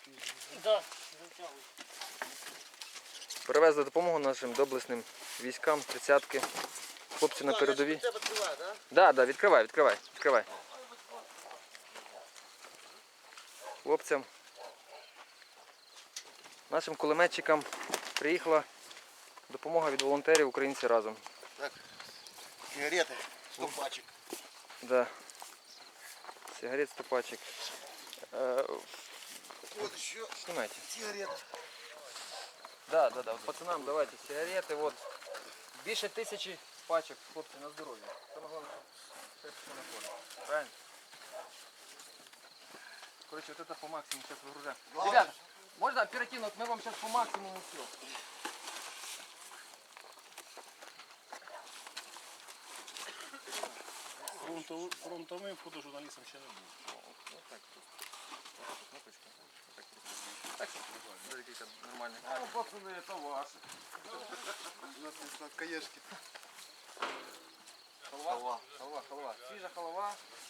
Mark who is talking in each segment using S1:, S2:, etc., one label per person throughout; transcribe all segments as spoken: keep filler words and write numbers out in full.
S1: Да.
S2: Перевезли допомогу нашим доблесним військам, тридцятки. Хлопці на передовій. Да, да, відкривай, відкривай, відкривай. Хлопцям, нашим кулеметчикам приїхала допомога від волонтерів «Українці разом».
S3: Так, сигарети, сто пачек.
S2: Да. Сигарет сто пачек. Э,
S3: Вот еще
S2: Снимайте.
S3: сигареты.
S2: Да, да, да. Вот пацанам давайте сигареты. Вот. Більше тисячі пачек, хлопці, на здоров'я. Саме головне, щоб все находить. Правильно? Короче, вот это по максимуму сейчас выгружаем. Ребята, можно оперативно? Вот мы вам сейчас по максимуму все.
S1: Фронтовим фотожурналістом ще не був.
S2: Вот так. Кнопочку. Вот так. Так, смотрите, нормально. Ну, пацаны, это ваше.
S3: У нас есть сладкоежки.
S2: Халва? Халва. Халва, халва. Свіжа халва.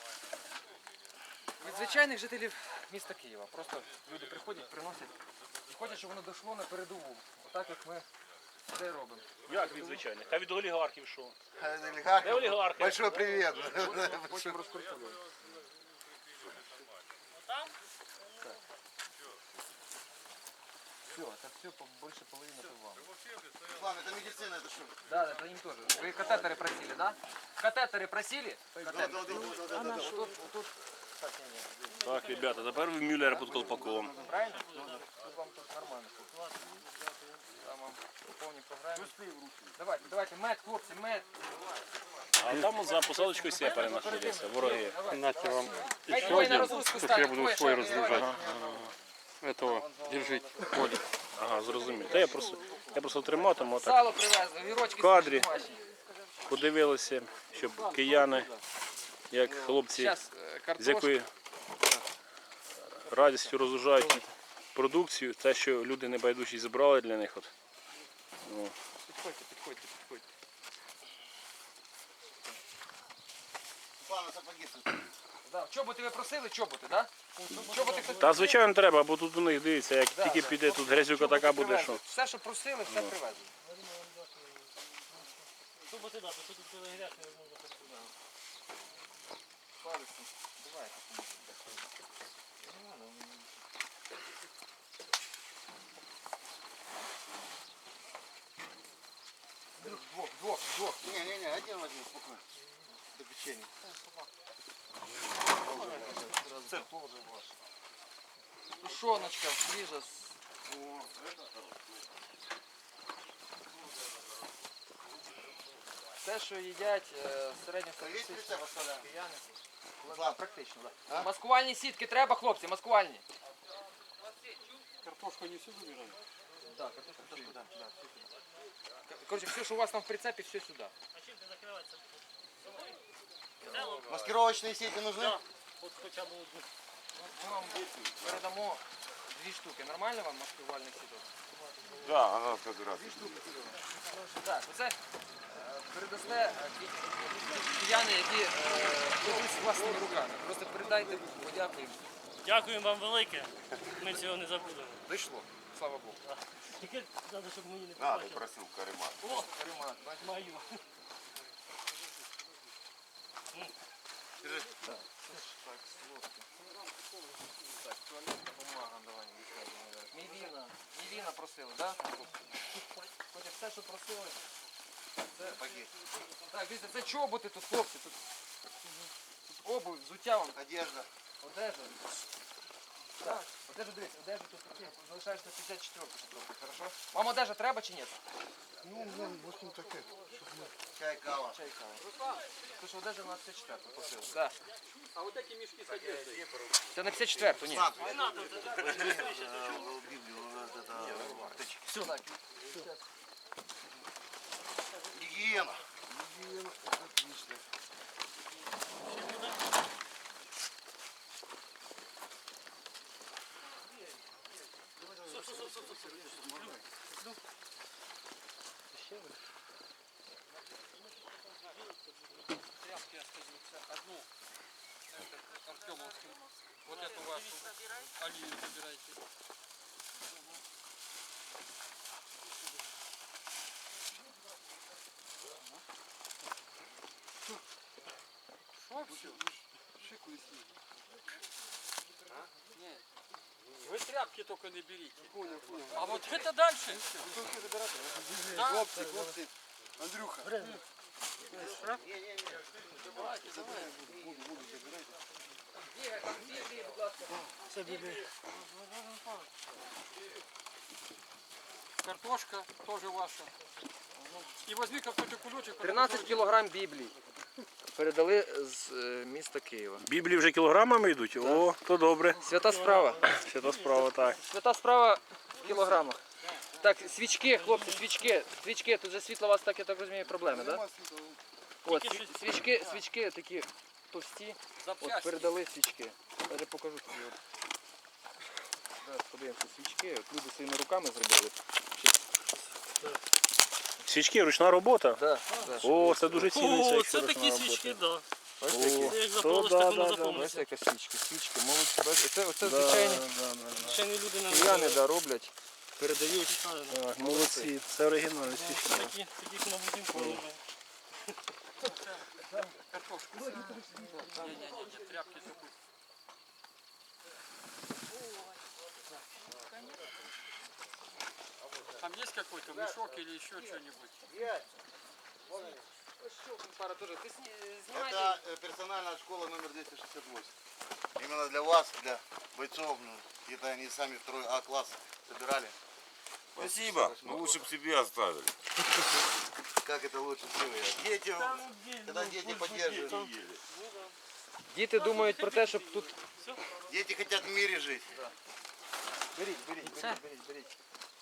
S2: Від звичайних жителів міста Києва. Просто люди приходять, приносять. І хочуть, щоб воно дійшло на передову. Отак, як ми це робимо.
S1: Як від звичайних? А від олігархів що?
S3: Олигархи.
S1: Де олігархи?
S3: Большой привет.
S2: Потім розкрутили. Все, это все, больше половины это вам.
S3: Ладно, это медицина, это что?
S2: Да, это им тоже. Вы катетеры просили, да? Катетеры просили?
S3: Да, да, да, да, да, да.
S2: Тут, тут, так, не, не.
S1: Так, ребята, тепер ви Мюллера під колпаком.
S2: Правильно? Тут вам тут нормально. Там вам по повній програмі. Давайте, давайте, мед, хлопці, мед.
S1: А там от за посадочкою сепари знаходяться, вороги.
S4: Нате вам
S2: Хай
S4: еще
S2: двоє на
S4: один.
S2: розгрузку
S4: Тут
S2: ставлять,
S4: я буду
S2: двоє
S4: свой
S2: шарів,
S4: разгружать.
S2: давай.
S4: Этого держите. Коля.
S1: Ага, зрозумів. Та я просто, я просто триматиму, отак
S2: Сало привезли, огірочки
S1: В кадрі.
S2: домашні.
S1: подивилися, щоб кияни, як хлопці,
S2: Зараз
S1: з
S2: картошка.
S1: якою радістю розгружають продукцію, те, що люди небайдужі зібрали для них. От. Ну,
S2: Підходьте, підходьте, підходьте.
S3: Ладно, сапоги тут.
S2: Да. Чоботи ви просили, чоботи, так? Да? Чоботи хтось
S1: та звичайно треба, бо тут у них дивіться, як
S2: Да,
S1: тільки
S2: да.
S1: піде тут грязюка така буде,
S2: привезли.
S1: що.
S2: Все, що просили, все привезли.
S5: Чоботи, да, бо тут коли грязь не можна ходити.
S2: Палиці. Давайте. Двох, двох, двох.
S3: Не-не-не, один возьми, спокойно. До печенья.
S2: Це теж ваше. Тушоночка свіжа. Те, що їдять е, середньостатистичні кияни. Да, практично, да. Маскувальні сітки треба, хлопці, маскувальні.
S4: Картошку не сюда убираем?
S2: Да, картошку все сюда. Да, все сюда. Короче, все, что у вас там в прицепе, все сюда.
S5: А чим ти закривається?
S3: Маскировочные сети нужны?
S5: Да. От хоча б одну.
S2: Ми вам передамо дві штуки. Нормально вам маскувальних сіток?
S3: Да, она как раз.
S2: Так, оце е, передасте е, ки- кияни, які е, робили з власними руками. Просто передайте, подякуємо.
S5: Дякуємо вам велике. Ми цього не забудемо.
S2: Дійшло, слава Богу.
S5: Тільки треба, щоб мені не
S3: А, ты
S5: побачили.
S3: просил каремат.
S5: О,
S2: Ремонт, бачите?
S5: маю.
S2: Так, слухайте. Так, туалетна бумага, давай, Мівіна. Мівіна просили, так? Да? Хоча все, що просили. Це... Так, дивіться, це чоботи тут, хлопці. Тут, тут обувь, взуття вам,
S3: Одежда.
S2: одежа. Так, одежа, дивіться, одежа тут таке. Залишаєш на п'ятдесят четверту, трохи, хорошо? Вам одежа треба чи ні?
S3: Ну, ну, в общем, таке. Чай, кава.
S2: Чай, кава. Тому що одежа на п'ятдесят четверту просили. Так.
S4: А вот эти мешки с одеждой?
S2: Це на п'ятдесят четверту, ні.
S3: Возьми э, Библию, вот это, аптечки.
S2: Все, так.
S3: Гигиена. Гигиена, это отлично.
S2: Тряпки остаются. Одну Артемовским
S4: Вот эту вашу алию забирайте. Что все? Вы тряпки только не берите. А вот это дальше. Да.
S3: Хлопці, хлопці. Андрюха.
S4: Картошка тоже ваша. И возьми какой-то кулечек.
S2: тринадцять кілограм Біблії. Передали з е, міста Києва.
S1: Біблії вже кілограмами йдуть? О, то добре.
S2: Свята справа.
S1: Ще то справа, так.
S2: Свята справа в кілограмах. Так, свічки, хлопці, свічки, свічки, тут же світло у вас, так, я так розумію, проблеми, так? Да? От, сві- свічки, свічки такі товсті, от передали свічки. Даже покажу тобі. От. Зараз подивимося свічки, от люди своїми руками зробили.
S1: Свічки, ручна робота?
S2: Да, да.
S1: О, це дуже ціниться,
S5: О,
S1: якщо
S5: це
S1: ручна
S5: такі
S1: робота.
S5: свічки, так.
S2: Ось
S1: О,
S2: такі.
S5: Як
S1: то
S5: запалиш,
S1: да,
S5: так воно
S1: да, да.
S2: Ось
S5: запомниться.
S2: яка свічки, свічки, молодці. Бачите, Це, оце
S1: Да,
S2: звичайні
S1: да, да, да.
S5: Ще не люди не
S2: кияни, да, роблять.
S5: передають.
S1: Так, молодці, це оригінальні свічки.
S5: Такі, таких на будинку не знаю.
S4: Картошку. Не-не-не, тряпки только. Там есть какой-то мешок или еще что-нибудь?
S2: Пара теж. Ти знімай.
S3: Это э, персональная школа номер двести шестьдесят восемь. Именно для вас, для бойцов. Ну, это они сами второй А класс собирали.
S6: Спасибо. Ну лучше бы себе оставили.
S3: Как это лучше всего? Дети, когда дети поддерживают.
S2: Діти думають про те, щоб тут...
S3: Дети хотят в мире жить.
S2: Беріть, беріть, беріть, беріть, беріть.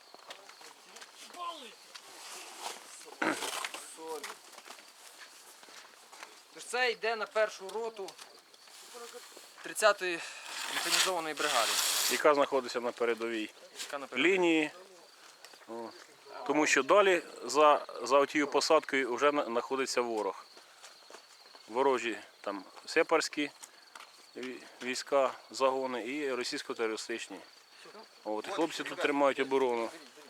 S2: Соль. Тож це йде на першу роту тридцятої механізованої бригади.
S1: Яка знаходиться на передовій
S2: Яка на передовій.
S1: лінії. О. Тому що далі за, за тією посадкою вже на- знаходиться ворог. Ворожі там сепарські ві- війська, загони і російсько-терористичні. От, і хлопці тут тримають оборону.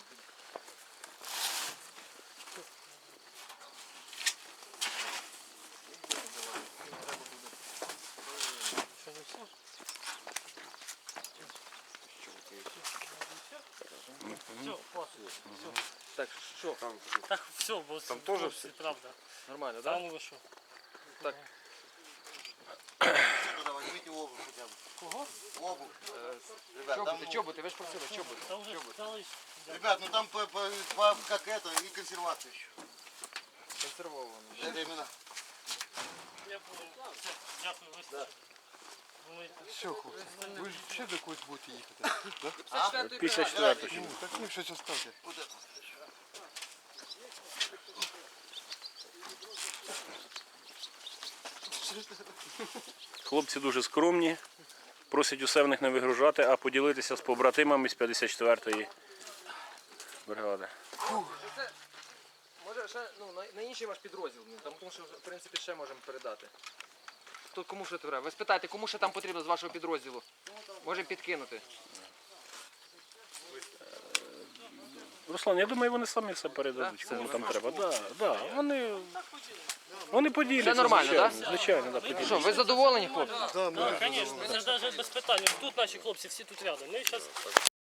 S5: Все, хватить.
S2: Так, що?
S5: Так, все, бо там
S6: теж
S5: хлопці, правда.
S2: Нормально,
S5: Та
S2: так?
S5: ну ви що?
S2: Так.
S3: Туда возьмите обувь хотя бы.
S5: Кого?
S3: Обувь. Ребят, там,
S2: Чоботи, чоботи, ви ж просили, чоботи.
S5: Та вже стали.
S3: ребят, ну там по, по- по- как это и консервация еще.
S2: Консервовано.
S3: Это именно.
S5: Я понял. Все, дякую, вистачить. Думаєте?
S7: Все, хлопці, ви ж ще до когось будете їхати?
S1: п'ятдесят четверту.
S7: Ну, так ну щось оставте.
S3: Вот это.
S1: Хлопці дуже скромні, просять усе в них не вигружати, а поділитися з побратимами з п'ятдесят четвертої бригади.
S2: Це, може ще ну, на, на інший ваш підрозділ, ну, там, тому що в принципі ще можемо передати. Хто кому що треба? Ви спитайте, кому ще там потрібно з вашого підрозділу? Можемо підкинути.
S1: Руслан, я думаю, вони самі все передадуть,
S2: Так?
S1: кому
S2: Це
S1: там треба. Да, да, вони, вони поділяться.
S2: Це нормально,
S1: звичайно,
S2: так?
S1: звичайно, да, поділяться.
S2: Що, ви задоволені, хлопці?
S5: Так, звісно, це ж навіть без питань. Тут наші хлопці, всі тут рядом. Ми зараз